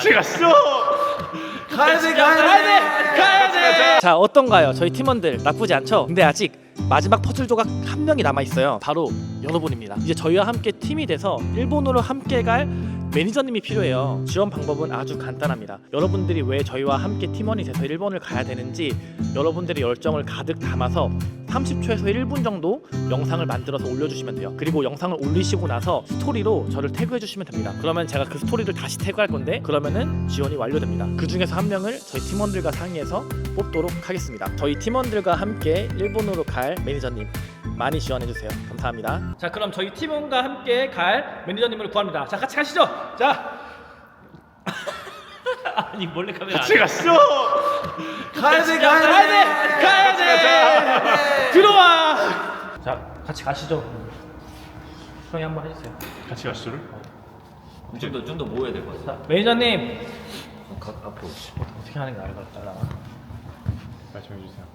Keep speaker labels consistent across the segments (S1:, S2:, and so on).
S1: 같이 가시죠.
S2: 가야 돼. 자, 어떤가요? 저희 팀원들 나쁘지 않죠? 근데 아직 마지막 퍼즐 조각 한 명이 남아 있어요. 바로 여러분입니다. 이제 저희와 함께 팀이 돼서 일본으로 함께 갈 매니저님이 필요해요. 지원 방법은 아주 간단합니다. 여러분들이 왜 저희와 함께 팀원이 돼서 일본을 가야 되는지 여러분들의 열정을 가득 담아서 30초에서 1분 정도 영상을 만들어서 올려주시면 돼요. 그리고 영상을 올리시고 나서 스토리로 저를 태그해주시면 됩니다. 그러면 제가 그 스토리를 다시 태그할 건데 그러면은 지원이 완료됩니다. 그 중에서 한 명을 저희 팀원들과 상의해서 뽑도록 하겠습니다. 저희 팀원들과 함께 일본으로 갈 매니저님 많이 지원해주세요. 감사합니다. 자, 그럼 저희 팀원과 함께 갈 매니저님을 구합니다. 자, 같이 가시죠. 자. 아니 몰래 카메라.
S1: 같이 가시죠.
S2: 가야 돼. 들어와. 자, 같이 가시죠. 형이 한번 해주세요.
S1: 같이 가시죠를.
S3: 좀 더 모여야 될 것 같아.
S2: 자, 매니저님
S3: 앞으로.
S2: 어떻게 하는 게 나을 것 같다.
S1: 말씀해 주세요.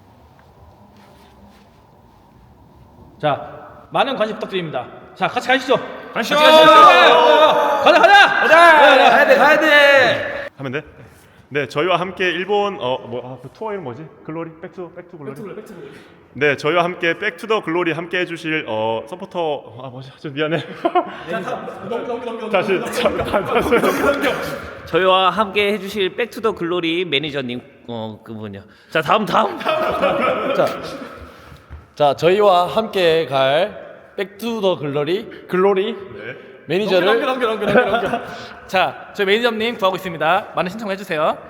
S2: 자, 많은 관심 부탁드립니다. 자, 같이 가시죠.
S1: 가시죠.
S2: 가자.
S3: 가야 돼.
S1: 하면 돼? 네, 저희와 함께 일본 그 투어 이름 뭐지? 글로리? 백투 글로리. 네, 저희와 함께 백투더 글로리 함께 해주실 서포터 뭐지? 좀 미안해. 다시.
S3: 저희와 함께 해주실 백투더 글로리 매니저님 그분요. 자 다음.
S4: 자, 저희와 함께 갈 백투더 글로리 매니저를
S2: 자, 저희 매니저님 구하고 있습니다. 많은 신청을 해주세요.